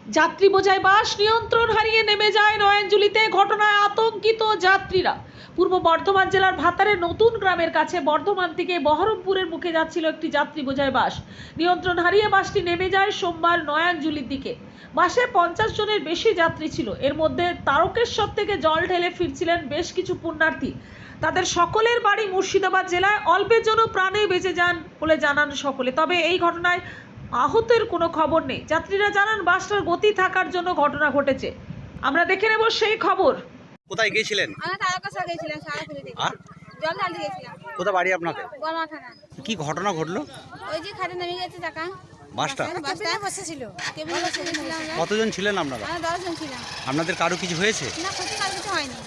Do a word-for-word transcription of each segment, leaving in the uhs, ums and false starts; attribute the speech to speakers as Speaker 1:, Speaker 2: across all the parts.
Speaker 1: যাত্রী বোঝাই বাস নিয়ন্ত্রণ হারিয়ে নেমে যায় নয়াঞ্জলিতে, ঘটনায় আতঙ্কিত যাত্রীরা। পূর্ব বর্ধমান জেলার ভাতারের নতুন গ্রামের কাছে বর্ধমান থেকে বহরমপুরের মুখে যাচ্ছিল একটি যাত্রী বোঝাই বাস। নিয়ন্ত্রণ হারিয়ে বাসটি নেমে যায় সোমবার নয়াঞ্জলির দিকে। বাসে পঞ্চাশ জনের বেশি যাত্রী ছিল। এর মধ্যে তারকেশ্বর থেকে জল ঢেলে ফিরছিলেন বেশ কিছু পুণ্যার্থী। তাদের সকলের বাড়ি মুর্শিদাবাদ জেলায়। অল্পের জন্য প্রাণে বেঁচে যান বলে জানান সকলে। তবে এই ঘটনায় আহতের কোনো খবর নেই। যাত্রীরা জানান বাসটার গতি থাকার জন্য ঘটনা ঘটেছে। আমরা দেখে নেব সেই খবর।
Speaker 2: কোথায় গিয়েছিলেন?
Speaker 3: আমরা তারকেশ্বর গিয়েছিলাম, সারাপুরি থেকে।
Speaker 2: আর
Speaker 3: জল ঢালতে গিয়েছিলাম।
Speaker 2: কোথা বাড়ি আপনাদের?
Speaker 3: বর্মা থানা।
Speaker 2: কি ঘটনা ঘটলো?
Speaker 3: ওই যে খাটে নেমে গেছে চাকা।
Speaker 2: বাসটা
Speaker 3: বাসটা বসেছিল। কেবল বসেছিলাম আমরা।
Speaker 2: কতজন ছিলেন আপনারা?
Speaker 3: আমরা দশ জন ছিলাম।
Speaker 2: আপনাদের কারো কিছু হয়েছে?
Speaker 3: না, ক্ষতি কার কিছু হয়নি।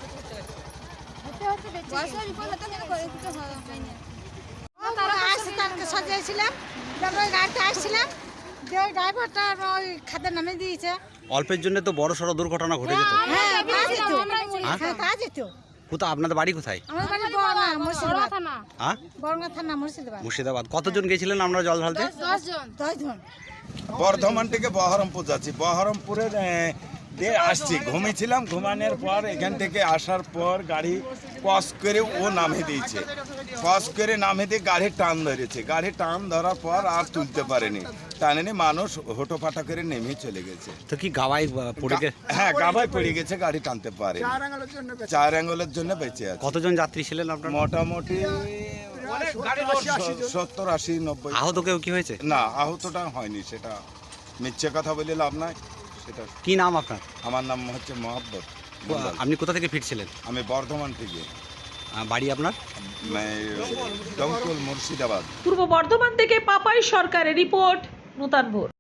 Speaker 3: বয়সের বিপদ হতো কিন্তু করে কিছু হয়নি। তারা আসছে তারকেশ্বর যাইছিলাম, তারপর ওই গাড়িতে আসছিলাম, যে ওই ড্রাইভারটা ওই খাদে নামে দিয়েছে।
Speaker 2: অল্পের জন্য তো বড় সড়ো দুর্ঘটনা ঘটে যেত।
Speaker 3: হ্যাঁ, তা যেত।
Speaker 2: হ্যাঁ?
Speaker 3: হ্যাঁ, তা যেত।
Speaker 2: কোথা আপনাদের বাড়ি কোথায়?
Speaker 3: আমাদের বাড়ি বর্মা, মুর্শিদাবাদ থানা।
Speaker 2: হ্যাঁ,
Speaker 3: বর্মা থানা, মুর্শিদাবাদ।
Speaker 2: মুর্শিদাবাদ। কতজন গেছিলেন আমরা জল ঢালতে?
Speaker 3: দশ জন। দশ জন।
Speaker 4: বর্ধমান থেকে বহরমপুর যাচ্ছি। বহরমপুরের আহ, দিয়ে আসছি, ঘুমিয়েছিলাম। ঘুমানোর পর এখান থেকে আসার পর গাড়ি ক্রস করে ও নামে দিয়েছে। ক্রস করে নামে দিয়ে গাড়ি টান ধরেছে। গাড়ি টান ধরার পর আর তুলতে পারেনি। টানেনি, মানুষ হোটোপাটা করে নেমে চলে গেছে।
Speaker 2: তো কি গাওয়ায় আহ, পড়ে গে-
Speaker 4: হ্যাঁ, গাভায় পড়ে গেছে, গাড়ি টানতে পারে। চার অ্যাঙ্গলের জন্য বেঁচে আছে।
Speaker 2: কতজন যাত্রী ছিলেন আপনারা?
Speaker 4: মোটামুটি সত্তর আশি নব্বই।
Speaker 2: আহত কেউ কি হয়েছে?
Speaker 4: না, আহতটা হয়নি। সেটা মিথ্যে কথা বলে লাভ নাই। সেটা
Speaker 2: কি নাম আপনার?
Speaker 4: আমার নাম হচ্ছে মোহাব্বত মণ্ডল।
Speaker 2: আপনি কোথা থেকে ফিরছিলেন?
Speaker 4: আমি বর্ধমান থেকে,
Speaker 2: আহ, বাড়ি আপনার?
Speaker 4: ডঙ্কুল, মুর্শিদাবাদ।
Speaker 1: পূর্ব বর্ধমান থেকে পাপাই সরকারের রিপোর্ট, নূতন ভোর।